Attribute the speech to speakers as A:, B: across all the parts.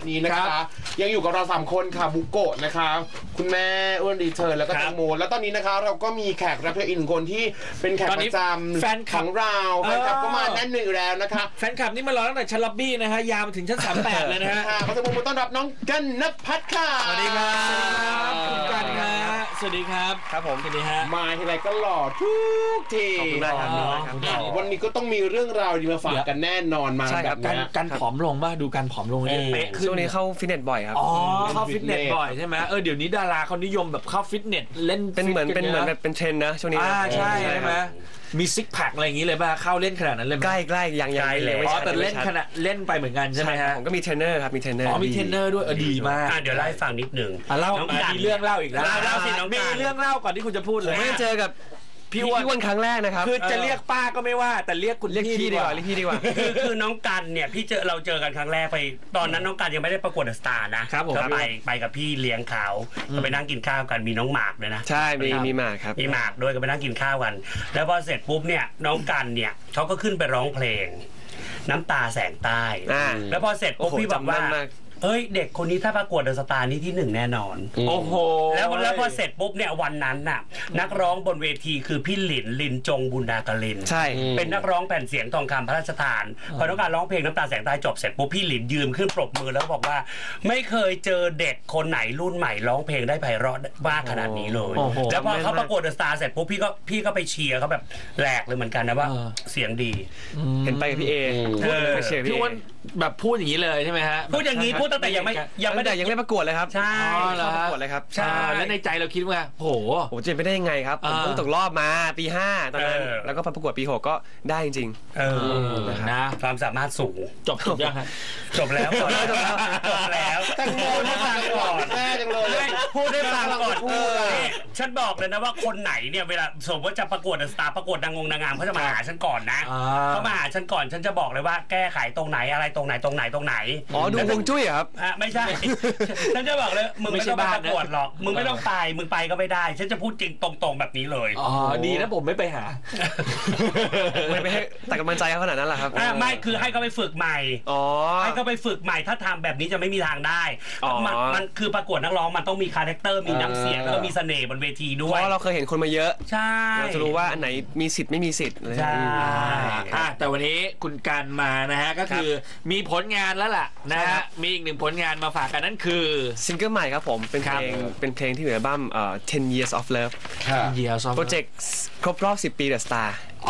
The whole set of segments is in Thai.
A: นี้นะคะยังอยู่กับเรา3คนค่ะบุโกะนะคะคุณแม่อ้วนรีเทิร์นแล้วก็แตงโมแล้วตอนนี้นะคะเราก็มีแขกรับเชิญอีก1คนที่เป็นแขกประจำแฟนของเราแฟนคลับก็มาแน่นหนึ่งแล้วนะคะ
B: แฟนคลับนี่มารอตั้งแต่ชั้นล็อบบี้นะฮะยาวมาถึงชั้น38เลยนะฮะ
A: ขอเสียงปรบมือต้อนรับน้องกันณภัทรค่ะ
B: สวัสดีครับคุณกันฮะสวัสดีครับ
C: ครับผม
B: สวัสดีฮะ
A: มาทีไรก็หล่อทุกที
C: ขอบคุณมากครับ
A: วันนี้ก็ต้องมีเรื่องราวดีมาฝากกันแน่นอนมาแบบนี้
B: กันผอมลงป่ะดูการผอมลงเนี่ยเป๊ะขึ้น
C: ช่วงนี้เข้าฟิตเนสบ่อยครับ
B: อ๋อเข้าฟิตเนสบ่อยใช่ไหมเดี๋ยวนี้ดาราเขานิยมแบบเข้าฟิตเนสเล่น
C: เป็นเหมือนแบบเป็นเทรนนะช่วงนี้
B: ใช่ไหมมีซิกแพคอะไรอย่างนี้เลยป่ะเข้าเล่นขนาดนั้นเลย
C: ใกล้อย่างเลย
B: แต่เล่นขนาดเล่นไปเหมือนกันใช่ไหมฮะ
C: ผมก็มีเทรนเนอร์ครับมีเทรนเนอร์
B: มีเทรนเนอร์ด้วยดีมาก
D: เดี๋ยวเล่าให้ฟังนิดหนึ่ง
B: เล่ามีเรื่องเล่าอีกแล้ว
D: เล่าสิน้อง
B: มีเรื่องเล่าก่อนที่คุณจะพูดเลย
C: ไม่เจอกับพี่อ้วนครั้งแรกนะครับ
B: คือจะเรียกป้าก็ไม่ว่าแต่เรียกคุณ
C: พี่ดีกว่าเรียกพี่ดีกว่า
D: คือน้องกันเนี่ยเราเจอกันครั้งแรกไปตอนนั้นน้องกันยังไม่ได้ประกวดเดอะสตาร์นะก็ไปกับพี่เลี้ยงเขาก็ไปนั่งกินข้าวกันมีน้องหมากเลยนะ
C: ใช่มีหมากครับ
D: มีหมากด้วยก็ไปนั่งกินข้าวกันแล้วพอเสร็จปุ๊บเนี่ยน้องกันเนี่ยเขาก็ขึ้นไปร้องเพลงน้ำตาแสงใต้แล้วพอเสร็จปุ๊บพี่บอกว่าเฮ้ยเด็กคนนี้ถ้าประกวดเดอะสตาร์นี่ที่1แน่นอน
B: โอ้โห
D: แล้วพอเสร็จปุ๊บเนี่ยวันนั้นน่ะนักร้องบนเวทีคือพี่ลินจงบุญดากลิน
C: ใช่
D: เป็นนักร้องแผ่นเสียงทองคำพระราชทานพอต้องการร้องเพลงน้ำตาแสงใต้จบเสร็จปุ๊บพี่ลินยืนขึ้นปรบมือแล้วบอกว่าไม่เคยเจอเด็กคนไหนรุ่นใหม่ร้องเพลงได้ไพเราะมากขนาดนี้เลยแล้วพอเขาประกวดเดอะสตาร์เสร็จปุ๊บพี่ก็ไปเชียร์เขาแบบแหลกเลยเหมือนกันนะว่าเสียงดี
C: เห็นไปกับพี่เอ
B: พี่อ้วนแบบพูดอย่างนี้เลยใช่ไหมฮะ
D: พูดอย่างนี้พูดตั้งแต่ยังไม่
C: ประกวดเลยครับ
D: ใช่
C: ประกวดเลยครับ
B: ใช่แล้วในใจเราคิดว่าโห
C: จะไปได้ยังไงครับผมเพิ่งตกรอบมาปี5ตอนนั้นแล้วก็ประกวดปี6ก็ได้จริง
D: นะความสามารถสูง
B: จบยังครับ
D: จบแล้ว
A: แตงโมให้ฟังก่อนแม่จังเลย
D: พูดได้ฟังก่อนฉันบอกเลยนะว่าคนไหนเนี่ยเวลาสมมติว่าจะประกวดสตาร์ประกวดนางงามเขาจะมาหาฉันก่อนนะเขามาหาฉันก่อนฉันจะบอกเลยว่าแก้ไขตรงไหนอะไรตรงไหน
C: อ๋อดูฮวงจุ้ยครับ
D: ไม่ใช่ฉันจะบอกเลยมึงไม่ต้องมาประกวดหรอกมึงไม่ต้องไปมึงไปก็ไม่ได้ฉันจะพูดจริงตรงๆแบบนี้เลย
B: อ๋อดีนะผมไม่ไปหา
C: ไม่ให้แต่กำลังใจเขาขนาดนั้นแหละครับ
D: ไม่คือให้เขาไปฝึกใหม่ให้เขาไปฝึกใหม่ถ้าทำแบบนี้จะไม่มีทางได้มันคือประกวดนักร้องมันต้องมีคาแรคเตอร์มีน้ำเสียงแล้วก็มีเสน่ห์บนเวทีด้วย
C: เพราะเราเคยเห็นคนมาเยอะ
D: ใช่
C: เราจะรู้ว่าอันไหนมีสิทธิ์ไม่มีสิทธิ์
D: ใช่
B: แต่วันนี้คุณการมานะฮะก็คือมีผลงานแล้วล่ะนะฮะมีอีก1ผลงานมาฝากกันนั่นคือ
C: ซิงเกิลใหม่ครับผมเป็นเพลงที่อยู่ในอัลบั้ม10 Years of Love โปรเจกต์ครบรอบ10 ปี The Star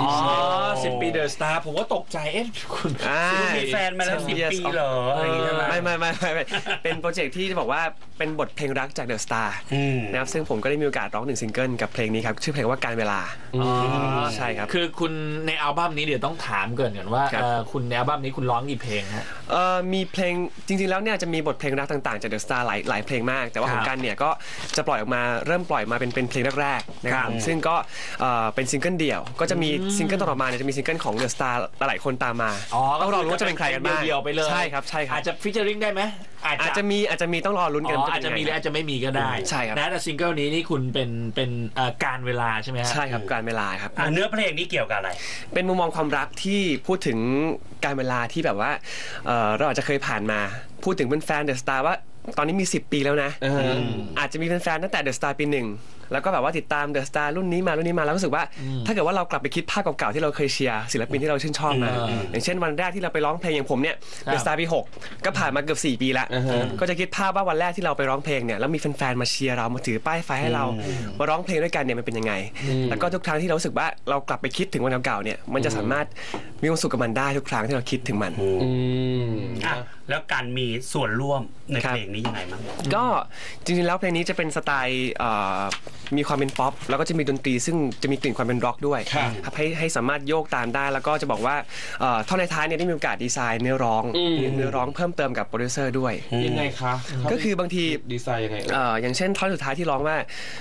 B: 10 ปีเดอะสตาร์ผมก็ตกใจ
D: คุณมีแฟนมาแล้ว10 ปีเหรออะไรอย่างเงี้ย
C: ไม่เป็นโปรเจกต์ที่จะบอกว่าเป็นบทเพลงรักจากเดอะสตาร์นะครับซึ่งผมก็ได้มีโอกาสร้อง1ซิงเกิลกับเพลงนี้ครับชื่อเพลงว่าการเวลาใช่ครับ
B: คือคุณในอัลบั้มนี้เดี๋ยวต้องถามก่อนว่าคุณในอัลบั้มนี้คุณร้องกี่เพลงฮะ
C: มีเพลงจริงๆแล้วเนี่ยจะมีบทเพลงรักต่างๆจากเดอะสตาร์หลายเพลงมากแต่ว่าของกันเนี่ยก็จะปล่อยออกมาเริ่มปล่อยมาเป็นเพลงแรกๆนะครับซึ่งก็เป็นซิงเกิลเดี่ยวก็จะมีซิงเกิลต่อมาเนี่ยจะมีซิงเกิลของเดอะสตาร์หลายคนตามมาต้องรอลุ้นว่าจะเป็นใครกันบ้าง
B: เดี่ยวไปเลย
C: ใช่ครับ
B: อาจจะฟีเจอริ่งได้ไหม
C: อาจจะมีต้องรอลุ้นกัน
B: อาจจะมีหรืออาจจะไม่มีก็ได้
C: ใช่ครับ
B: นะแต่ซิงเกิลนี้นี่คุณเป็นการเวลาใช่ไหม
C: ใช่ครับการเวลาครับ
D: เนื้อเพลงนี้เกี่ยวกับอะไร
C: เป็นมุมมองความรักที่พูดถึงการเวลาที่แบบว่าเราอาจจะเคยผ่านมาพูดถึงเป็นแฟนเดอะสตาร์ว่าตอนนี้มี10 ปีแล้วนะอาจจะมีแฟนตั้งแต่เดอะสตาร์ปี 1แล้วก็แบบว่าติดตามเดอะสตาร์รุ่นนี้มาแล้วรู้สึกว่าถ้าเกิดว่าเรากลับไปคิดภาพเก่าๆที่เราเคยเชียร์ศิลปินที่เราชื่นชอบมาอย่างเช่นวันแรกที่เราไปร้องเพลงอย่างผมเนี่ยเดอะสตาร์ปี 6ก็ผ่านมาเกือบ4 ปีแล้วก็จะคิดภาพว่าวันแรกที่เราไปร้องเพลงเนี่ยแล้วมีแฟนๆมาเชียร์เรามาถือป้ายไฟให้เรามาร้องเพลงด้วยกันเนี่ยมันเป็นยังไงแล้วก็ทุกครั้งที่เรารู้สึกว่าเรากลับไปคิดถึงวันเก่าๆเนี่ยมันจะสามารถมีความสุขกับมันได้ทุกครั้งที่เราคิดถึงมัน
D: แล้วการมีส่วนร่วมในเพลงนี้ยังไงมั้ง
C: ก็จริงๆแล้วเพลงนี้จะเป็นสไตล์มีความเป็นป๊อปแล้วก็จะมีดนตรีซึ่งจะมีกลิ่นความเป็นร็อกด้วยครับให้สามารถโยกตามได้แล้วก็จะบอกว่าท่อนในท้ายเนี่ยได้มีโอกาสดีไซน์เนื้อร้องเพิ่มเติมกับโปรดิวเซอร์ด้วย
A: ยังไงคะ
C: ก็คือบางที
A: ดีไซน์ยังไง
C: อย่างเช่นท่อนสุดท้ายที่ร้องว่า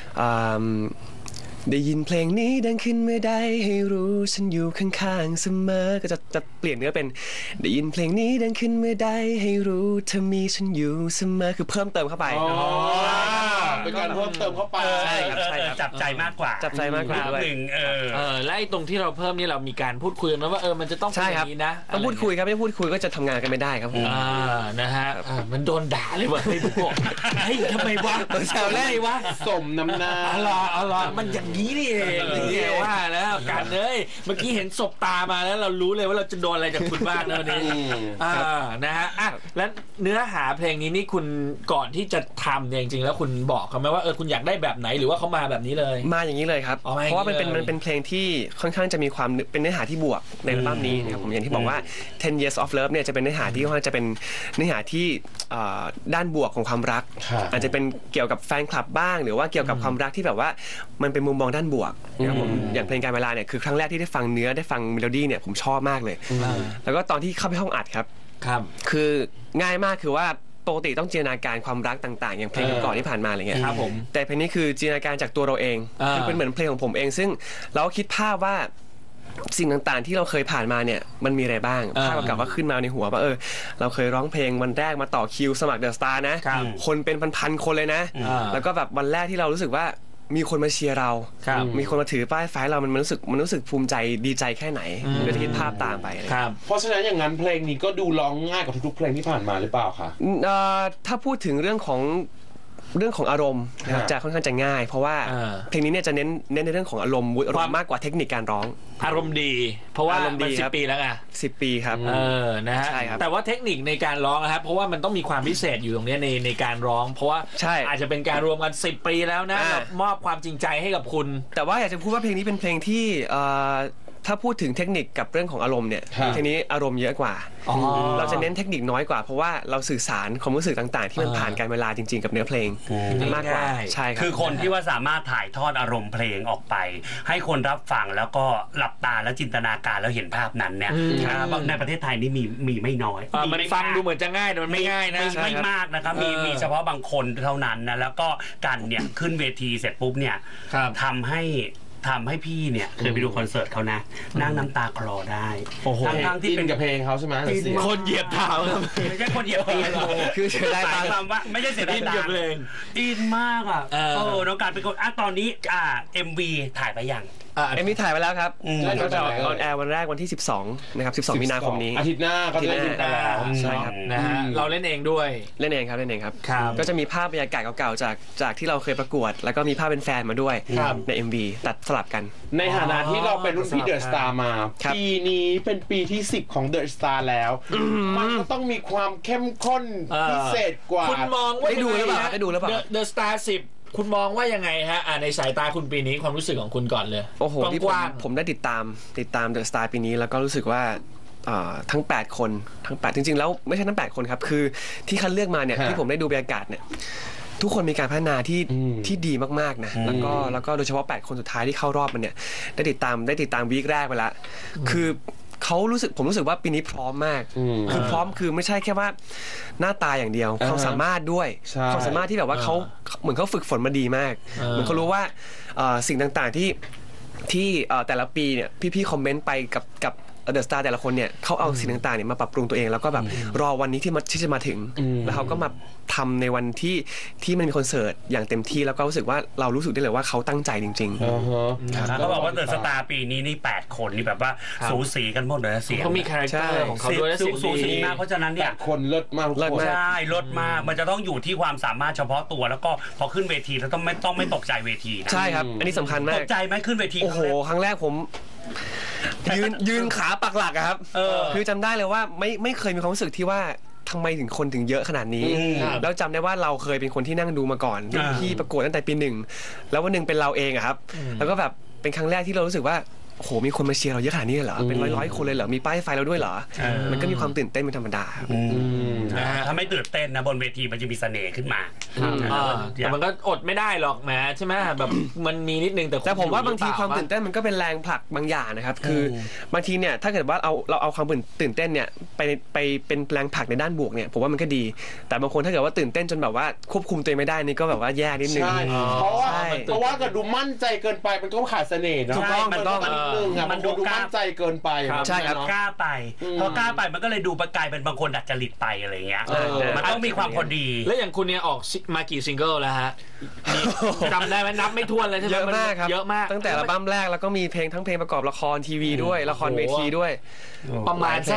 C: ได้ยินเพลงนี้ดังขึ้นเมื่อใดให้รู้ฉันอยู่ข้างๆเสมอก็จะเปลี่ยนเนื้อเป็นได้ยินเพลงนี้ดังขึ้นเมื่อใดให้รู้เธอมีฉันอยู่เสมอคือเพิ่มเติมเข้าไป
A: เป็นการเพิ่มเติมเข้าไป
C: ใช่ครับ
D: จับใจมากกว่า
C: จับใจมากกว่าด้วย
D: หนึ่ง
B: และไอ้ตรงที่เราเพิ่มนี่เรามีการพูดคุยกันไหมว่ามันจะต้องเป็นอย่างนี้นะ
C: ต้องพูดคุยครับไม่พูดคุยก็จะทำงานกันไม่ได้ครับผม
B: นะฮะมันโดนด่าเลยว่ะไอ้พวกเฮ้ยทำไมวะแซวเล่นวะ
A: สมน้ำหน้า
B: อะไรมันอย่างนี้นี่เองเนี่ยว่าแล้วกันเลยเมื่อกี้เห็นศพตามาแล้วเรารู้เลยว่าเราจะโดนอะไรจากคุณบ้างนะวันนี้นะฮะแล้วเนื้อหาเพลงนี้นี่คุณก่อนที่จะทำเนี่ยจริงๆแล้วคุณบอกเขาไหมว่าคุณอยากได้แบบไหนหรือว่าเขามาแบบนี้เลย
C: มาอย่างนี้เลยครับเพราะว่ามันเป็นเพลงที่ค่อนข้างจะมีความเป็นเนื้อหาที่บวกในอัลบั้มนี้นะครับผมอย่างที่บอกว่า 10 Years of Love เนี่ยจะเป็นเนื้อหาที่ค่อนข้างจะเป็นเนื้อหาที่ด้านบวกของความรักอาจจะเป็นเกี่ยวกับแฟนคลับบ้างหรือว่าเกี่ยวกับความรักที่แบบว่ามันเป็นมุมมองด้านบวกนะครับผมอย่างเพลงการเวลาเนี่ยคือครั้งแรกที่ได้ฟังเนื้อได้ฟังเมโลดี้เนี่ยผมชอบมากเลยแล้วก็ตอนที่เข้าไปห้องอัดครับคือง่ายมากคือว่าปกติต้องจินตนาการความรักต่างๆอย่างเพลงก่อนที่ผ่านมาอะไรเงี้ย
B: ครับผม
C: แต่เพลงนี้คือจินตนาการจากตัวเราเองคือเป็นเหมือนเพลงของผมเองซึ่งเราคิดภาพว่าสิ่งต่างๆที่เราเคยผ่านมาเนี่ยมันมีอะไรบ้างภาพเก่าๆก็ขึ้นมาในหัวว่าเราเคยร้องเพลงวันแรกมาต่อคิวสมัครเดอะสตาร์นะคนเป็นพันๆคนเลยนะแล้วก็แบบวันแรกที่เรารู้สึกว่ามีคนมาเชียร์เรามีคนมาถือป้ายไฟเรามันรู้สึกภูมิใจดีใจแค่ไหนเดี๋ยวจะคิดภาพตามไป
A: เพราะฉะนั้นอย่างนั้นเพลงนี้ก็ดูร้องง่ายกว่าทุกๆเพลงที่ผ่านมาหรือเปล่าคะ
C: ถ้าพูดถึงเรื่องของอารมณ์นะครับจะค่อนข้างจะง่ายเพราะว่าเพลงนี้เนี่ยจะเน้นในเรื่องของอารมณ์มากกว่าเทคนิคการร้อง
B: อารมณ์ดีเพราะว่ามัน10 ปีแล้วไง
C: 10 ปีครับ
B: นะฮะแต่ว่าเทคนิคในการร้องนะครับเพราะว่ามันต้องมีความพิเศษอยู่ตรงนี้ในการร้องเพราะว่าอาจจะเป็นการรวมกัน10 ปีแล้วนะมอบความจริงใจให้กับคุณ
C: แต่ว่าอยากจะพูดว่าเพลงนี้เป็นเพลงที่ถ้าพูดถึงเทคนิคกับเรื่องของอารมณ์เนี่ยเพลงนี้อารมณ์เยอะกว่าเราจะเน้นเทคนิคน้อยกว่าเพราะว่าเราสื่อสารความรู้สึกต่างๆที่มันผ่านการเวลาจริงๆกับเนื้อเพลงมากกว่าใช่ครับ
D: คือคนที่ว่าสามารถถ่ายทอดอารมณ์เพลงออกไปให้คนรับฟังแล้วก็หลับตาแล้วจินตนาการแล้วเห็นภาพนั้นเนี่ยในประเทศไทยนี่มีไม่น้อย
B: มันฟังดูเหมือนจะง่ายแต่มันไม่ง่ายนะ
D: ไม่มากนะครับมีเฉพาะบางคนเท่านั้นนะแล้วก็กันเนี่ยขึ้นเวทีเสร็จปุ๊บเนี่ยทำให้พี่เนี่ยเคยไปดูคอนเสิร์ตเขานะนั่งน้ำตาคลอได้
A: ทั้งที่เป็นกับเพลงเขาใช่ไหม
B: คนเหยียบเท้า
D: ไม่ใช่คนเหยียบเท้า
C: คือเสียดายตังค์
D: ว่าไม่ใช่เสียดายตังค์อินมากอ่ะน้องการเป็นคนตอนนี้MV ถ่ายไปยัง
C: MV ถ่ายไปแล้วครับก็จะออนแอร์วันแรกวันที่12นะครับ12มีนาคมนี้
A: อาทิตย์หน้าก็จะเล่นกันแล้ว
C: ใช่ครับ
B: นะฮะเราเล่นเองด้วย
C: เล่นเองครับก็จะมีภาพบรรยากาศเก่าๆจากที่เราเคยประกวดแล้วก็มีภาพเป็นแฟนมาด้วยใน MV ตัดสลับกัน
A: ในฐานะที่เราเป็นรุ่นพี่เดอะสตาร์มาปีนี้เป็นปีที่10ของเดอะสตาร์แล้วมันก็ต้องมีความเข้มข้นพิเศษกว่า
B: คุณมองว่า
C: ได้ดูหรือเปล่า
B: เดอะสตาร์10คุณมองว่ายังไงฮะในสายตาคุณปีนี้ความรู้สึกของคุณก่อนเลย
C: โอ้โหที่ผมได้ติดตามเดอะสตาร์ปีนี้แล้วก็รู้สึกว่าทั้ง8คนทั้ง8จริงๆแล้วไม่ใช่ทั้ง8คนครับคือที่คัดเลือกมาเนี่ยที่ผมได้ดูบรรยากาศเนี่ยทุกคนมีการพัฒนาที่ดีมากๆนะแล้วก็โดยเฉพาะ8คนสุดท้ายที่เข้ารอบมันเนี่ยได้ติดตามวีคแรกไปแล้วคือผมรู้สึกว่าปีนี้พร้อมมากคือพร้อมคือไม่ใช่แค่ว่าหน้าตาอย่างเดียวความสามารถด้วยความสามารถที่แบบว่าเขาเหมือนเขาฝึกฝนมาดีมากเหมือนเขารู้ว่าสิ่งต่างๆที่แต่ละปีเนี่ยพี่ๆคอมเมนต์ไปกับเดอะสตาร์แต่ละคนเนี่ยเขาเอาสิ่งต่างๆเนี่ยมาปรับปรุงตัวเองแล้วก็แบบรอวันนี้ที่จะมาถึงแล้วเขาก็มาทำในวันที่มันมีคอนเสิร์ตอย่างเต็มที่แล้วก็รู้สึกว่าเรารู้สึกได้เลยว่าเขาตั้งใจจริง
D: ๆเขาบอกว่าเดอะสตาร์ปีนี้นี่8คนนี่แบบว่าสูสีกันหมดเลยเสียง
B: เขามีคาแรคเตอร์ของเขาด้วย
D: สูสีมากเพราะฉะนั้นเนี่ย
A: คนเลิศมาก
D: ใช่เลิศมากมันจะต้องอยู่ที่ความสามารถเฉพาะตัวแล้วก็พอขึ้นเวทีแล้วต้องไม่ตกใจเวทีนะ
C: ใช่ครับอันนี้สำคัญมาก
D: ตกใจไหมขึ้นเวที
C: โอ้โหครั้งแรกผมยืนขาปักหลักครับคือจำได้เลยว่าไม่เคยมีความรู้สึกที่ว่าทำไมถึงคนถึงเยอะขนาดนี้แล้วจำได้ว่าเราเคยเป็นคนที่นั่งดูมาก่อนที่ประกวดตั้งแต่ปี1แล้ววันนึงเป็นเราเองครับแล้วก็แบบเป็นครั้งแรกที่เรารู้สึกว่าโอ้โหมีคนมาเชียร์เราเยอะขนาดนี้เหรอเป็นร้อยคนเลยเหรอมีป้ายไฟเราด้วยเหรอมันก็มีความตื่นเต้นเป็นธรรมดา
D: ถ้าไม่ตื่นเต้นนะบนเวทีมันจะมีเสน่ห์ขึ้นมา
B: แต่มันก็อดไม่ได้หรอกแหมใช่ไหมแบบมันมีนิดนึง
C: แต่ผมว่าบางทีความตื่นเต้นมันก็เป็นแรงผลักบางอย่างนะครับคือบางทีเนี่ยถ้าเกิดว่าเราเอาความตื่นเต้นเนี่ยไปเป็นแรงผลักในด้านบวกเนี่ยผมว่ามันก็ดีแต่บางคนถ้าเกิดว่าตื่นเต้นจนแบบว่าควบคุมตัวเองไม่ได้นี่ก็แบบว่าแย่นิดนึง
A: เพราะว่าเกิดดูมั่นใจเกินไปมันก็ขาดเสน่ห์เนาะ
C: ถูกต้อง
A: นึงอ่ะมันดูมั่นใจเกินไป
C: ใช่ครับ
D: กล้าไปพอกล้าไปมันก็เลยดูกลายเป็นบางคนดัดจริตไปอะไรเงี้ยมันต้องมีความพอดี
B: แล้วอย่างคุณเนี่ยออกมากี่ซิงเกิลแล้วฮะจำได้ไหมนับไม่ถ้วนเลยใช่ไหม
C: เยอะมากครับ
B: เยอะมาก
C: ตั้งแต่อัลบั้มแรกแล้วก็มีเพลงทั้งเพลงประกอบละครทีวีด้วยละครเวทีด้วย
B: ประมาณสัก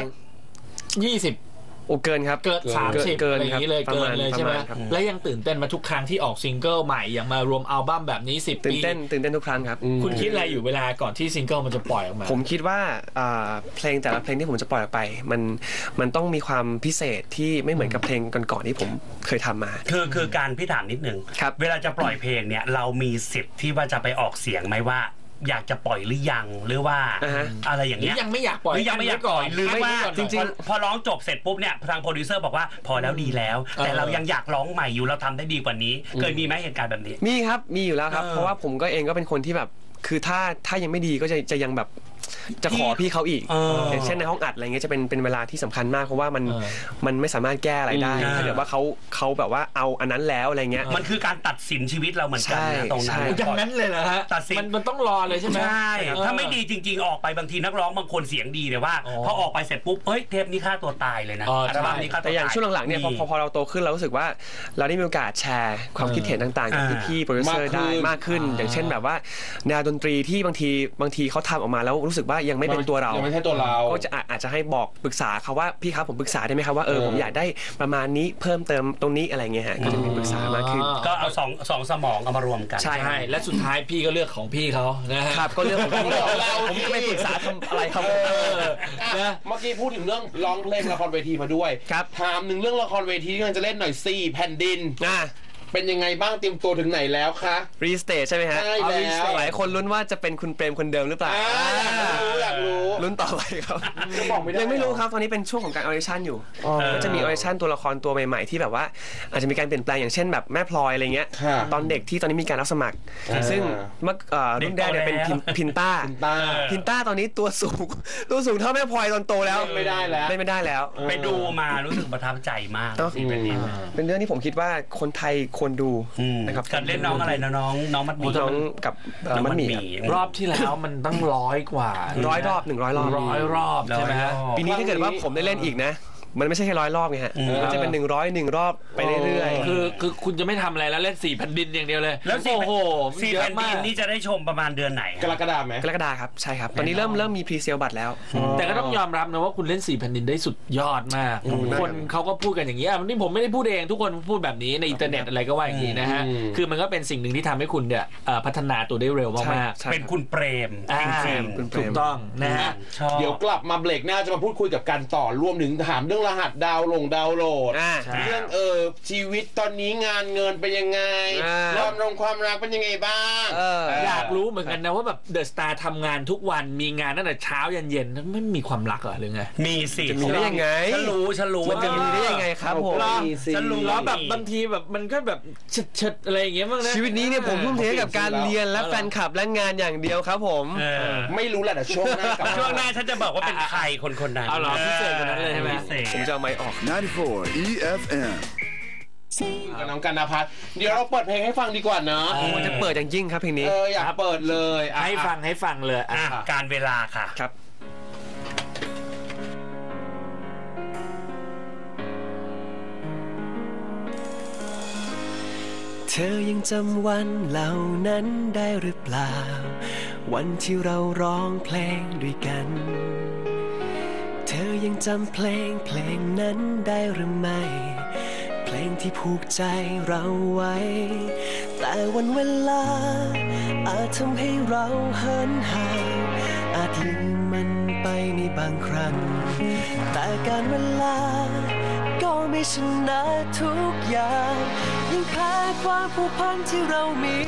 B: 20
C: โอ้เกินครับ
B: เกิน30อะไรอย่างนี้เลยเกินเลยใช่ไหมและยังตื่นเต้นมาทุกครั้งที่ออกซิงเกิลใหม่อย่างมารวมอัลบั้มแบบนี้10 ปี
C: ตื่นเต้นทุกครั้งครับ
B: คุณคิดอะไรอยู่เวลาก่อนที่ซิงเกิลมันจะปล่อยออกมา
C: ผมคิดว่าเพลงแต่ละเพลงที่ผมจะปล่อยออกไปมันต้องมีความพิเศษที่ไม่เหมือนกับเพลงก่อนๆที่ผมเคยทำมา
D: คือการพี่ถามนิดนึงเวลาจะปล่อยเพลงเนี่ยเรามีสิทธิ์ที่ว่าจะไปออกเสียงไหมว่าอยากจะปล่อยหรือยังหรือว่าอะไรอย่างเงี้ย
B: ยังไม่อยากปล่อย
D: หรือยังไม่อยากปล่อยหรือว่าจริงๆพอร้องจบเสร็จปุ๊บเนี่ยทางโปรดิวเซอร์บอกว่าพอแล้วดีแล้วแต่เรายังอยากร้องใหม่อยู่เราทำได้ดีกว่านี้เคยมีไหมเหตุการณ์แบบนี้
C: มีครับมีอยู่แล้วครับเพราะว่าผมก็เองก็เป็นคนที่แบบคือถ้ายังไม่ดีก็จะยังแบบจะขอพี่เขาอีกอย่างเช่นในห้องอัดอะไรเงี้ยจะเป็นเวลาที่สำคัญมากเพราะว่ามันไม่สามารถแก้อะไรได้ถ้าเกิดว่าเขาแบบว่าเอาอันนั้นแล้วอะไรเงี้ย
D: มันคือการตัดสินชีวิตเราเหมือนกันนะตรงนั้น
B: อย่างนั้นเลยเหรอฮะ
D: ตัดสิน
B: มันต้องรอเลยใช่ไหม
D: ใช่ถ้าไม่ดีจริงๆออกไปบางทีนักร้องบางคนเสียงดีแต่ว่าพอออกไปเสร็จปุ๊บเฮ้ยเทปนี้ฆ่าตัวตายเลยนะอัลบั้มนี้ฆ่าตัวตาย
C: แต่อย่างช่วงหลังๆเนี่ยพอเราโตขึ้นเรารู้สึกว่าเราได้มีโอกาสแชร์ความคิดเห็นต่างๆกับพี่ๆโปรดิวเซอร์ได้มากขึ้นอย่างเช่นแบบว่าแนวดนตรีที่บางทีเขาทำออกมาแล้วรู้สึกว่ายังไม่เป็นตัวเรา
A: ไม่ใช่ตัวเรา
C: ก็จะอาจจะให้บอกปรึกษาเขาว่าพี่ครับผมปรึกษาได้ไหมครับว่าผมอยากได้ประมาณนี้เพิ่มเติมตรงนี้อะไรเงี้ยฮะก็จะมีปรึกษามากขึ้น
D: ก็เอาสองสมองเอามารวมกัน
B: ใช่และสุดท้ายพี่ก็เลือกของพี่เขานะฮะ
C: ครับก็เลือกของพี่ผมจะไม่ปรึกษาทำอะไรครับ
A: เมื่อกี้พูดถึงเรื่องร้องเพลงละครเวทีมาด้วยถามหนึ่งเรื่องละครเวทีที่กำลังจะเล่นหน่อย4แผ่นดินเป็นยังไงบ้างเตรียมตัวถึงไหนแล้วคะ
C: รีสเตทใช่ไหมฮะ
A: ใช่แล้ว
C: หลายคนลุ้นว่าจะเป็นคุณเปรมคนเดิมหรือเปล่า
A: อยากรู้
C: ลุ้นต่อไปครับยังไม่รู้ครับตอนนี้เป็นช่วงของการออดิชั่นอยู่ก็จะมีออดิชั่นตัวละครตัวใหม่ๆที่แบบว่าอาจจะมีการเปลี่ยนแปลงอย่างเช่นแบบแม่พลอยอะไรเงี้ยตอนเด็กที่ตอนนี้มีการรับสมัครซึ่งเมื่อรุ่นแรกเนี่ยเป็นพินต้าตอนนี้ตัวสูงเท่าแม่พลอยตอนโตแล้ว
A: ไม่ได้
C: แล้ว
D: ไปดูมารู้สึกประทับใจมาก
C: เป็นเรื่องที่ผมคิดว่าคนไทยควรดูนะครับ
D: การเล่นน้องอะไรนะน้องมัดหมี่
C: น้องกับมัดหมี่
B: รอบที่แล้วมันต้อง100 กว่า
C: 100 รอบ
B: 100 รอบใช่ไหมฮะ
C: ปีนี้ถ้าเกิดว่าผมได้เล่นอีกนะมันไม่ใช่แค่100 รอบไงฮะมันจะเป็น101 รอบไปเรื่อย
B: ๆคือคุณจะไม่ทำอะไรแล้วเล่น4 แผ่นดินอย่างเดียวเลย
D: แล้วโอ้โห4 แผ่นดินนี่จะได้ชมประมาณเดือนไหน
A: กรกฎาคมไหม
C: กรกฎาคมครับใช่ครับตอนนี้เริ่มมีพรีเซลบัตรแล้ว
B: แต่ก็ต้องยอมรับนะว่าคุณเล่น4 แผ่นดินได้สุดยอดมากคนเขาก็พูดกันอย่างนี้นี่ผมไม่ได้พูดเองทุกคนพูดแบบนี้ในอินเทอร์เน็ตอะไรก็ว่าอย่างนี้นะฮะคือมันก็เป็นสิ่งหนึ่งที่ทำให้คุณเนี่ยพัฒนาตัวได้เร็วมาก
D: ๆเป็นคุณเปรมจริง
B: ๆถูกต้องนะฮะ
A: เดี๋ยวกลับมาเบรกหน้าจะมาพูดคุยกับการต่อรวมถึงถามเรื่องรหัสดาวโหลดเรื่องชีวิตตอนนี้งานเงินเป็นยังไงความรักเป็นยังไงบ้าง
B: อยากรู้เหมือนกันนะว่าแบบเดอะสตาร์ทำงานทุกวันมีงานตั้งแต่เช้ายันเย็นไม่มีความรักเหรอหรือไง
D: มีสิ
C: จะมีได้ยังไง
D: ฉันรู้
C: มันจะมีได้ยังไงครับผม
B: ฉันรู้แล้วแบบบางทีแบบมันก็แบบเฉิดอะไรอย่างเงี้ยบ้างนะ
C: ชีวิตนี้เนี่ยผมทุ่มเทกับการเรียนและแฟนคลับและงานอย่างเดียวครับผม
A: ไม่รู้แหละแต่ช่วงหน้า
D: ฉันจะบอกว่าเป็นใครคนนั้น
B: เอาเหรอพิเศษคนนั้นเลยใช่ไหม
C: ผมจะเอาไมค์ออก
E: 94 EFM
A: กับน้องกันณภัทรเดี๋ยวเราเปิดเพลงให้ฟังดีกว่าเนาะ
C: มันจะเปิดอย่างยิ่งครับเพลงนี้
A: อยากเปิดเลย
B: ให้ฟังเลย
D: การเวลาค่ะ
C: ครับเธอยังจำวันเหล่านั้นได้หรือเปล่าวันที่เราร้องเพลงด้วยกันเธอยังจำเพลงนั้นได้หรือไม่เพลงที่ผูกใจเราไว้แต่วันเวลาอาจทำให้เราเหินห่างอาจลืมมันไปในบางครั้งแต่การเวลาก็ไม่ชนะทุกอย่างยังแพ้ความผูกพันที่เรามี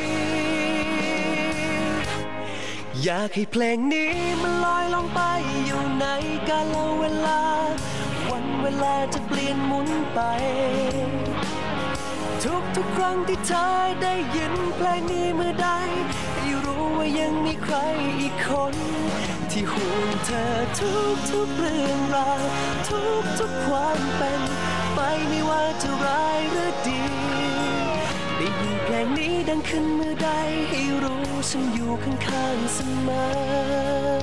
C: อยากให้เพลงนี้มันลอยลงไปอยู่ในกาลเวลาวันเวลาจะเปลี่ยนหมุนไปทุกครั้งที่เธอได้ยินเพลงนี้เมื่อใดให้รู้ว่ายังมีใครอีกคนที่ห่วงเธอทุกเรื่องราวทุกความเป็นไปไม่ว่าจะร้ายหรือดีได้ยินเพลงนี้ดังขึ้นเมื่อใดให้รู้ฉันอยู่ข้างๆเสมอ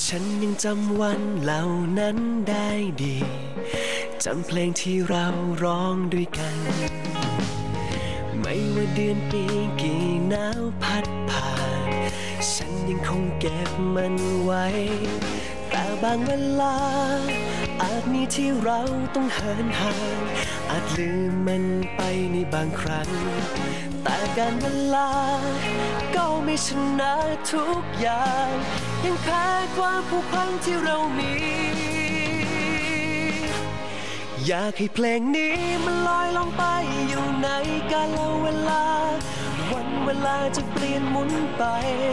F: ฉันยังจำวันเหล่านั้นได้ดีจำเพลงที่เราร้องด้วยกันไม่ว่าเดือนปีกี่หนาวพัดผ่านฉันยังคงเก็บมันไว้แต่บางเวลาอาจมีที่เราต้องเหินห่างอาจลืมมันไปในบางครั้งแต่การเวลาก็ไม่ชนะทุกอย่างยังแพ้ความผูกพันที่เรามีอยากให้เพลงนี้มันลอยลงไปอยู่ในกาลเวลาวันเวลาจะเปลี่ยนหมุนไป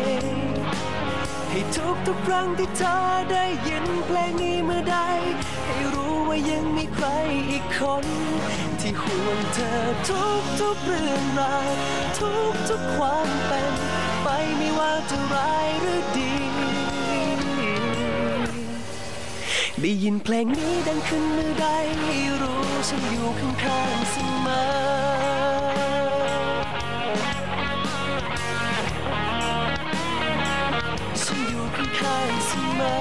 F: ให้ทุกครั้งที่เธอได้ยินเพลงนี้เมื่อใดให้รู้ว่ายังมีใครอีกคนที่ห่วงเธอทุกเรื่องราวทุกความเป็นไปไม่ว่าจะร้ายหรือดีได้ยินเพลงนี้ดังขึ้นเมื่อใดให้รู้ฉันอยู่ข้างๆเสมอฉันอยู่ข้างๆเสมอ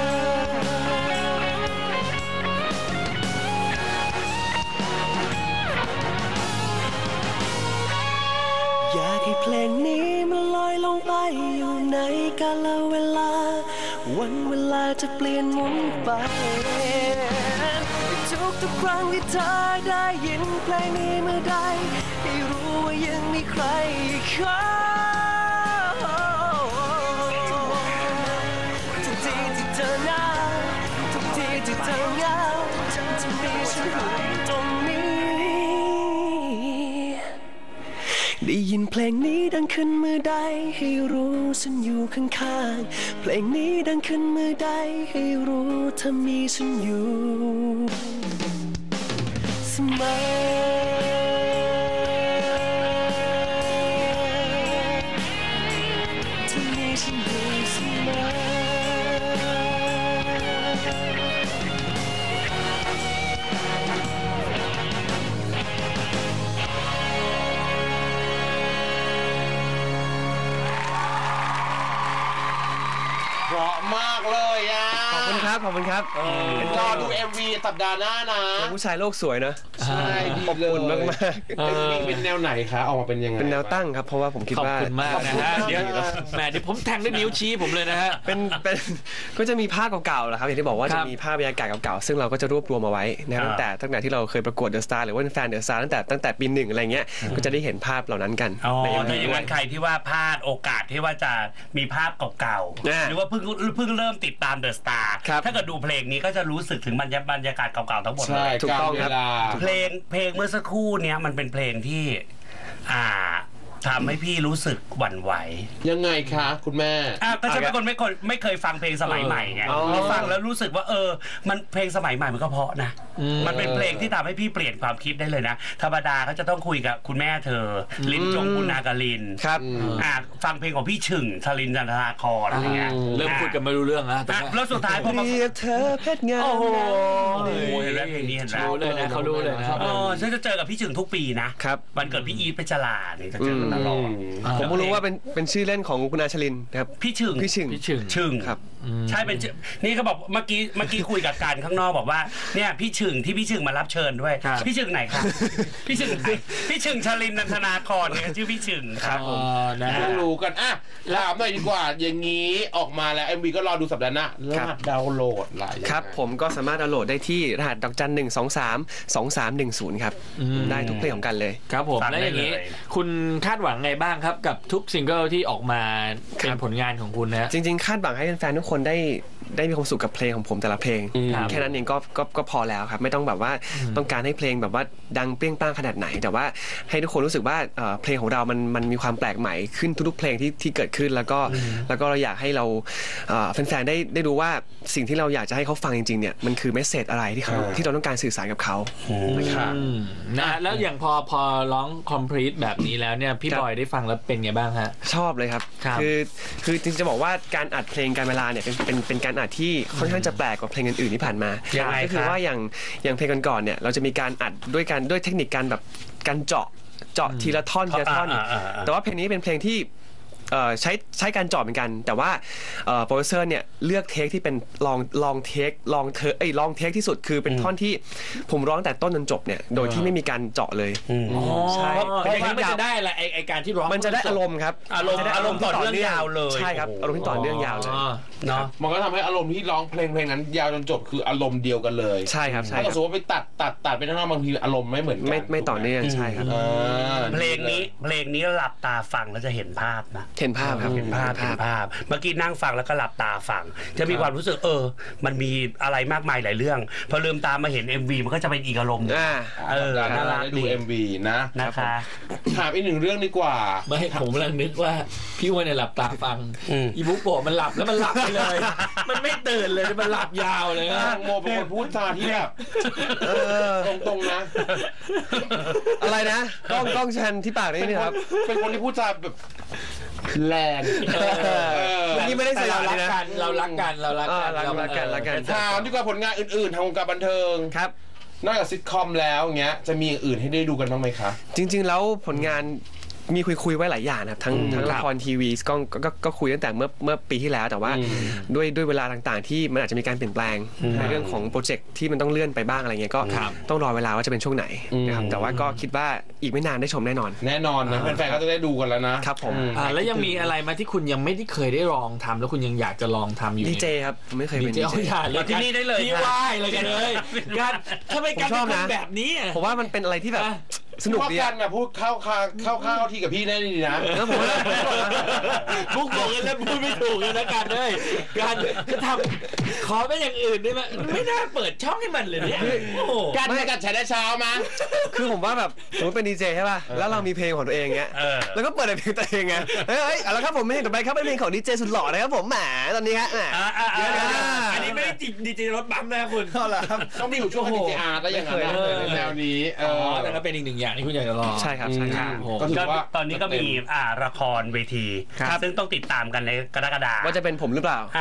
F: อยากให้เพลงนี้มันลอยลงไปอยู่ในกาลเวลาวันเวลาจะเปลี่ยนหมุนไปทุกครั้งที่เธอได้ยินเพลงนี้เมื่อใดให้รู้ว่ายังมีใครอีกคนทุกทีที่เธอเหงาทุกทีที่เธอเหงาฉันจะมีฉันอยู่ตรงนี้ได้ยินเพลงนี้ดังขึ้นเมื่อใดให้รู้ฉันอยู่ข้างๆเพลงนี้ดังขึ้นเมื่อใดให้รู้เธอมีฉันอยู่เสมอเธอมีฉันอยู่เสมอ
A: เพราะมากเลยอ่ะ
C: ขอบคุณครับขอบคุณครับ
A: รอดู MV สัปดาห์หน้านะ
C: ผู้ชายโลกสวยนะ
A: ใช่ดี
C: อบ
A: เลย
C: อุ่นมาก
A: MV เป็นแนวไหนคะออกมาเป็นยังไง
C: ๆเป็นแนวตั้งครับเพราะว่าผมคิด
B: ขอบ
C: ว่า
B: คุณมากนะฮะเดี๋ยวแหมเดี๋ยวผมแทงด้วยนิ้วชี้ผมเลยนะฮะ
C: เป็นก็จะมีภาพเก่าๆแหละครับอย่างที่บอกว่า
B: ครั
C: จะ
B: บ
C: มีภาพบรรยากาศเก่าๆซึ่งเราก็จะรวบรวมมาไว้นะตั้งแต่ที่เราเคยประกวดเดอะสตาร์หรือว่าเป็นแฟนเดอะสตาร์ตั้งแต่ปีหนึ่งอะไรเงี้ยก็จะได้เห็นภาพเหล่านั้นกัน
D: อ๋อ
C: ใน
D: ถ้าอย่างนั้นใครที่ว่าพลาดโอกาสที่ว่าจะมีภาพเก่าๆหรือว่าเพิ่งเริ่มติดตามเดอะสตาร์ถ้าเกิดดูเพลงนี้ก็จะรู้สึกถึงบรรยากาศเก่าๆทั้งหมดเล
A: ใช่
D: ย
C: ถูกต้อง
A: เว
C: ครับ
A: ลา
D: เพลงเมื่อสักครู่เนี้ยมันเป็นเพลงที่ทำให้พี่รู้สึกหวั่นไหว
A: ยังไงคะคุณแม่
D: ก็ฉันเป็นคนไม่เคยฟังเพลงสมัยใหม่ไงพอฟังแล้วรู้สึกว่ามันเพลงสมัยใหม่มันก็เพราะนะมันเป็นเพลงที่ทำให้พี่เปลี่ยนความคิดได้เลยนะธรรมดาเขาจะต้องคุยกับคุณแม่เธอลินจงปุณากลิน
C: ครับ
D: ฟังเพลงของพี่ฉึ่งชลินจันทราครอะไรเงี้ย
B: เริ่มพูดกันไม่รู้เรื่องแล้วตอนนี้
D: แล้วสุดท้ายพอมา
C: เรียกเธอเพชรงาม
B: โอ้โห
D: เห็นไหมเพลงนี้เห็นไหม
B: รู้เลยนะเขารู้เลยนะ
D: ฉันจะเจอกับพี่ฉึ่งทุกปีนะครับ วันเกิดพี่อีทเพชรลาเนี่ยจะเจอกันตลอด
C: ผมก็รู้ว่าเป็นชื่อเล่นของคุณอาชลินนะครับ
D: พี่ฉึ่ง
C: พี่ชึง
B: พี่ชึง
D: ฉึ่ง
C: ครับ
D: ใช่เป็นชื่อนี่ก็บอกเมื่อกี้คุยกับการข้างนอกบอกว่าเนี่ยพี่ฉึ่งที่พี่ฉึ่งมารับเชิญด้วย
B: ครับ
D: พี่ฉึ่งไหนครับพี่ฉึ่งไหนพี่ฉึ่งชลินนันทนาครเนี่ยชื่อพี่ฉึ่งครับผม
B: นะฮะ
A: ต้องรู้กันถามหน่อยดีกว่า อย่างนี้ออกมาแล้ว MV ก็รอดูสัปดาห์หน้ารหัสดาวน์โหลดอะไรยังไง
C: ครับผมก็สามารถดาวน์โหลดได้ที่รหัส*1232310ครับได้ทุกเพลงของกันเลย
B: ครับผม
D: ฟังได้
B: แล้วอย่างนี้
D: เลย
B: คุณคาดหวังไงบ้างครับกับทุกซิงเกิลที่ออกมาเป็นผลงานของคุณนะ
C: จริงๆคาดหวังให้แฟนๆทุกคนได้มีความสุขกับเพลงของผมแต่ละเพลง
B: ครับ
C: แค่นั้นเองก็พอแล้วครับไม่ต้องแบบว่าต้องการให้เพลงแบบว่าดังเปรี้ยงป้างขนาดไหน แต่ว่าให้ทุกคนรู้สึกว่าเพลงของเรามันมีความแปลกใหม่ขึ้นทุกๆเพลงที่เกิดขึ้นแล้วก็เราอยากให้เราแฟนๆได้รู้ว่าสิ่งที่เราอยากจะให้เขาฟังจริงๆเนี่ยมันคือเมสเสจอะไรที่เราต้องการสื่อสารกับเขานะครับ
B: นะแล้วอย่างพอร้อง complete แบบนี้แล้วเนี่ยพี่บอยได้ฟังแล้วเป็นไงบ้างฮะ
C: ชอบเลยครับ
B: ครับ
C: คือจริงๆจะบอกว่าการอัดเพลงการเวลาเนี่ยเป็นการอัดที่ค่อนข้างจะแปลกกว่าเพลงอื่นๆที่ผ่านมา
D: ยังไง
C: ก็คือ
D: ครับ
C: ว่าอย่างเพลงก่อนๆเนี่ยเราจะมีการอัดด้วยเทคนิคการแบบการเจาะทีละท่อน แต่ว่าเพลงนี้เป็นเพลงที่ใช้การเจาะเหมือนกันแต่ว่าโปรดิวเซอร์เนี่ยเลือกเทคที่เป็นลองเทคที่สุดคือเป็นท่อนที่ผมร้องแต่ต้นจนจบเนี่ยโดยที่ไม่มีการเจาะเลยใช่
B: เพราะมันจะได้อะไรไอการที่ร้อง
C: มันจะได้อารมณ์ครับ
D: อารมณ์ต่อเนื่องยาวเลย
C: ใช่ครับอารมณ์ที่ต่อเนื่องยาวเลย
A: เนาะมันก็ทำให้อารมณ์ที่ร้องเพลงนั้นยาวจนจบคืออารมณ์เดียวกันเลย
C: ใช่ครับใช่
A: ถ้าสมมติว่าไปตัดไปข้างนอกบางทีอารมณ์ไม่เหมือนกัน
C: ไม่ต่อเนื่องใช่ครับ
D: เพลงนี้หลับตาฟังแล้วจะเห็นภาพนะ
C: เห็นภาพครับ
D: เห็นภาพเมื่อกี้นั่งฟังแล้วก็หลับตาฟังจะมีความรู้สึกมันมีอะไรมากมายหลายเรื่องพอลืมตามาเห็น MV มันก็จะเป็นอีกอารมณ์
A: น่ารักดู MV
D: นะคะ
A: ถามอีกหนึ่งเรื่องดีกว่า
B: ไม่ผมกำลังนึกว่าพี่วันเนี่ยหลับตาฟังอีบุ๊กโกะมันหลับแล้วมันหลับไปเลยมันไม่ตื่นเลยมันหลับยาวเลย
A: โมเป็นคนพูดจาที่แบบตรงๆนะ
C: อะไรนะกล้องชันที่ปากนี่ครับ
A: เป็นคนที่พูดจาแบบแรง
C: นี่ไม่ได้ใส่
B: เรารักกันเรารักกัน
A: ถามดีกว่าผลงานอื่นๆทางวงการบันเทิง
C: ครับ
A: นอกจากซิทคอมแล้วเงี้ยจะมีอย่างอื่นให้ได้ดูกันบ้างไหมคะ
C: จริงๆแล้วผลงานมีคุยไว้หลายอย่างนะครับทั้งละครทีวีก็คุยตั้งแต่เมื่อปีที่แล้วแต่ว่าด้วยเวลาต่างๆที่มันอาจจะมีการเปลี่ยนแปลงในเรื่องของโปรเจกต์ที่มันต้องเลื่อนไปบ้างอะไรเงี้ยก็ต้องรอเวลาว่าจะเป็นช่วงไหนนะครับแต่ว่าก็คิดว่าอีกไม่นานได้ชมแน่นอน
A: นะแฟนๆก็จะได้ดูกันแล้วนะครับ
C: ผม
B: แล้วยังมีอะไรมาที่คุณยังไม่ได้เคยได้ลองทำแล้วคุณยังอยากจะลองทำอยู่
C: ดีเจครับไม่เคยเป็น
B: ดีเจเลย
D: ที่นี่ได้เลย
B: ที่ว่ายเลยกันเลยการถ้าไม่การเป็นแบบนี้
C: ผมว่ามันเป็นอะไรที่แบบสนุกดี
A: กันนะพูดเข้าที่กับพี่ได้ดีนะ
C: แล้วผม
B: พูดบอกกันแล้วพูดไม่ถูกเลยนะกันเลยการจะทำขอเป็นอย่างอื่นได้ไหมไม่น่าเปิดช่องให้มันเลยเนี่ย
A: การไม่กัดใช้ได้เช้ามา
C: คือผมว่าแบบสมมติเป็นดีเจใช่ป่ะแล้วเรามีเพลงของตัวเองเงี้ยแล้วก็เปิดเพลงตัวเองไงเฮ้ยแล้วครับผมไม่เห็นต่อไปครับเป็นเพลงของดีเจสุดหล่อนะครับผมแหมตอนนี้ฮะ
B: อันนี้ไม่ได้ดีเจรถบัมนะคุณ
A: ต้องมีอยู่ช่วงดีเจอาร์ก็อย่างนั้นในแนวนี้
B: แต่ก็เป็นอีกหนึ่งอย่างที่คุณอยากจะลอง
C: ใช่ครับใช่ครับ
D: ตอนนี้ก็มีละครเวทีซึ่งต้องติดตามกันในกรกฎาคม
C: ว่าจะเป็นผมหรือเปล่า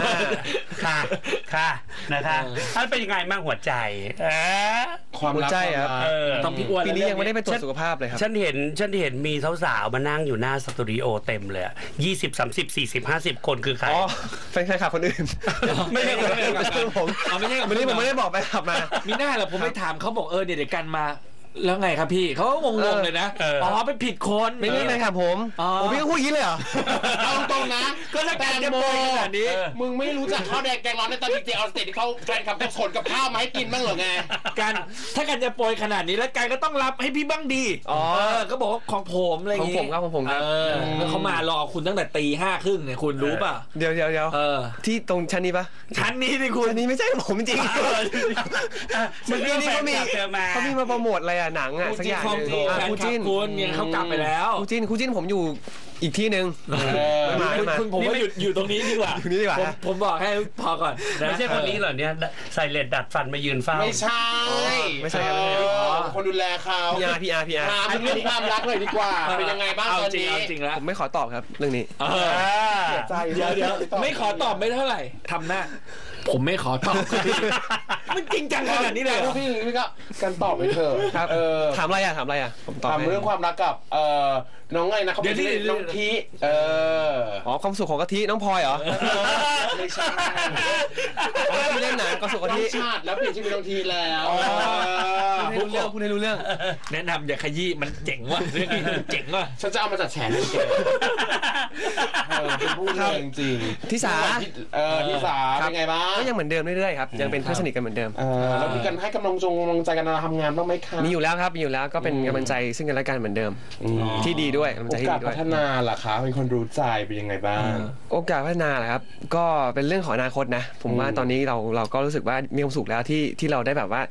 D: ค่ะนะคะท่านเป็นยังไงบ้างหัวใจ
C: ความรักครับ
B: ต้องพี่อ้วน
C: ปีนี้ยังไม่ได้ไปตรวจสุขภาพเลยครับ
D: ฉันเห็นมีสาวๆมานั่งอยู่หน้าสตูดิโอเต็มเลย20 30 40 50คนคือใคร
C: เป็นใครขับคนอื่น
D: ไม่ใช่คนอื่น
C: ไม่ใช่ผม
B: ไม่ใช่
C: วันนี้ผมไม่ได้บอกไปขับมา
B: มีหน้าเหรอผมไปถามเขาบอกเดี๋ยวกันมาแล้วไงครับพี่เขาก็งงๆเลยนะไปผิดคน
C: ไม่ใช่ครับผมพี่ก็พูดอย่างนี้เลยเหรอ
A: ตรงนะ
B: ก็ถ้าการจะโปรขนาดนี้
A: มึงไม่รู้จักข้าวแดงแกงร้อนในตอนดีเจออสเตรที่เขาแฟนคลับจะขนกับข้าวมาให้กินบ้างเหรอไง
B: การถ้าการจะโปรขนาดนี้แล้วการก็ต้องรับให้พี่บ้างดีก็บอกว่าของผมอะไรอย่าง
C: งี้ของผมครับ
B: แล้วเขามารอคุณตั้งแต่ตี 5:30เนี่ยคุณรู้ป่ะ
C: เดี๋ยวที่ตรงชั้นนี้ป่ะ
B: ชั้นนี้นี่คุณ
C: ชั้นนี้ไม่ใช่ผมจริงเมื่อกี้นี้เขามีมาโปรโมทอะไรหนังสักอย่าง
B: คู่จิ้นคุณเนี่ยเขากลับไปแล้ว
C: คู่จิ้นผมอยู่อีกที่หนึ่ง
B: คุณผมว่าอยู่ตรงนี้ดีกว่าผมบอกให้พอก่อน
D: ไม่ใช่คนนี้เหรอเนี่ยใส่เลดดัดฟันมายืนเฝ้า
A: ไม่ใช่คนดูแลเขา
C: พี่อาร์
A: ถามเรื่องความรักเลยดีกว่าเป็นยังไงบ้างตอนนี้
B: จริงแล้ว
C: ผมไม่ขอตอบครับเรื่องนี้
B: เดี๋ยวไม่ขอตอบไม่เท่าไหร่ทำหน้าผมไม่ขอตอบมันจริงจังขนาดนี้เลย
A: พี่ก็กันตอบไปเถอะ
C: ถามอะไรผมตอบ
A: เรื่องความรักกับน้องไงนะเขาเป็นน้องที
C: ความสุขของกะทิน้องพลอยเหรอ
A: ไม่ใช่
C: ที่เล่นหนังความสุขกะทิ
A: ชาติแล้วเปลี่ยนชื่อเป็นน้องทีแล้ว
C: พูดให้รู้เรื่อง
B: แนะนำอย่าขยี้มันเจ๋งว่ะเรื่องนี้เจ๋งว่ะ
A: ฉันจะเอามาจัดแฉเลยเจ๋งเป็นพูดเลยจริง
C: ที่สา
A: เป็นไงบ้าง
C: ก็ยังเหมือนเดิมเรื่อยๆครับยังเป็นเพื่อนสนิทกันเหมือนเดิม
A: แล้วมีกันให้กำลังใจกันทำงานบ้างไหมคะ
C: มีอยู่แล้วครับมีอยู่แล้วก็เป็นกำลังใจซึ่งกันและกันเหมือนเดิมที่ดีด้วย
A: โอกาสพัฒนาล่ะคะเป็นคนรู้ใจเป็นยังไงบ้าง
C: โอกาสพัฒนาล่ะครับก็เป็นเรื่องของอนาคตนะผมว่าตอนนี้เราก็รู้สึกว่ามีความสุขแล้วที่เราได้แบบว่า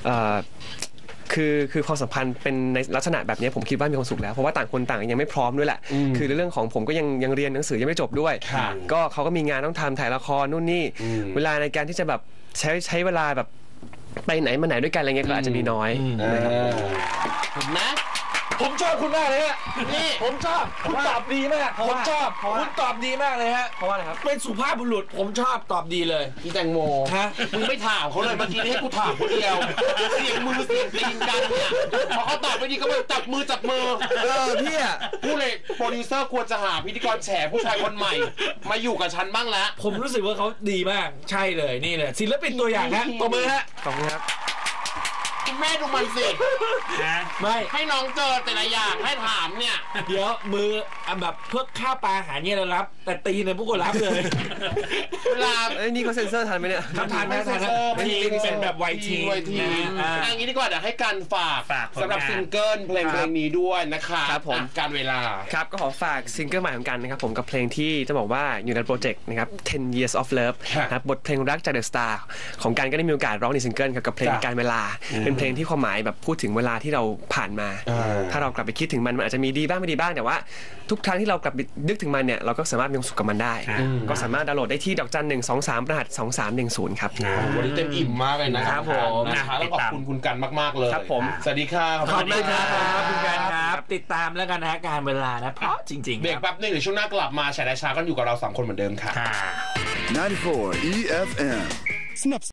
C: คือความสัมพันธ์เป็นในลักษณะแบบนี้ผมคิดว่ามีความสุขแล้วเพราะว่าต่างคนต่างยังไม่พร้อมด้วยแหละคือในเรื่องของผมก็ยังเรียนหนังสือยังไม่จบด้วยก็เขาก็มีงานต้องทำถ่ายละครนู่นนี่เวลาในการที่จะแบบใช้เวลาแบบไปไหนมาไหนด้วยกันอะไรเงี้ยก็อาจจะมีน้อยนะครับ
A: เห็นไหม
B: ผมชอบคุณมากเลยฮะ
A: นี่
B: ผมชอบคุณตอบดีมากผมชอบคุณตอบดีมากเลยฮะ
C: เพราะว่าอะไรครับ
B: เป็นสุภาพบุรุษผมชอบตอบดีเลย
A: พี่แตงโม
B: ฮะ
A: มึงไม่ถามเขาเลยเมื่อกี้นี่ให้กูถามคนเดียวเสียงมือเสียงตีนกันเนี่ยพอเขาตอบไม่ดีก็มาจับมือ
C: พี่อะ
A: พูดเลยโปรดิวเซอร์ควรจะหาพิธีกรแฉผู้ชายคนใหม่ มาอยู่กับฉันบ้างแล้ว
B: ผมรู้สึกว่าเขาดีมากใช่เลยนี่เลยศิลปินตัวอย่างฮะตบมือฮะ
C: ขอบคุณครับ
A: คุณแม่ดูมันสิ
B: ไม่
A: ให้น้องเจอแต่ละอย่างให้ถามเนี่ย
B: เดี๋ยวมือแบบเพื่อข้าวปลาอาหารเนี่ยเรารับ แต่ตีในพวกคนรับเลย
A: เวลา
C: นี่เขาเซ็นเซอร์ทันไหมเนี่ย
B: ทานนะทีเป็นแบบไวที
A: อย่างนี้ดีกว่าเดี๋ยวให้การฝาก
D: ผลงาน
A: สำหรับซิงเกิลเพลงนี้ด้วยนะคะ
C: ครับผม
A: การเวลา
C: ครับก็ขอฝากซิงเกิลใหม่ของกันนะครับผมกับเพลงที่จะบอกว่าอยู่ในโปรเจกต์นะครับ 10 Years of Love นะครับบทเพลงรักจาก The Star ของกันก็ได้มีโอกาสร้องในซิงเกิลกับเพลงการเวลา เป็นเพลงที่ความหมายแบบพูดถึงเวลาที่เราผ่านมา ถ้าเรากลับไปคิดถึงมันอาจจะมีดีบ้างไม่ดีบ้างแต่ว่าทุกครั้งที่เรากลับไปนึกถึงมันเนี่ยเราก็สามารถมีความสุขกับมันได้ ก็สามารถดาวน์โหลดได้ที่ดอกจัน 123 รหัส 2310 ครับ
A: วันนี้เต็มอิ่มมากเลยนะครับ
B: ผม
A: นะคะแล้วขอบคุณคุณกันมากๆเลย
C: ครับผม
A: สวัสดีครับ
B: ขอบคุณครับคุณการครับ ติดตามแล้วกันนะการเวลานะเพราะจริงๆ
A: เบรกแป๊บนึงเดี๋ยวช่วงหน้ากลับมาแฉได้ช้ากันอยู่กับเรา3คนเหมือนเดิมค่ะ
E: 94 EFM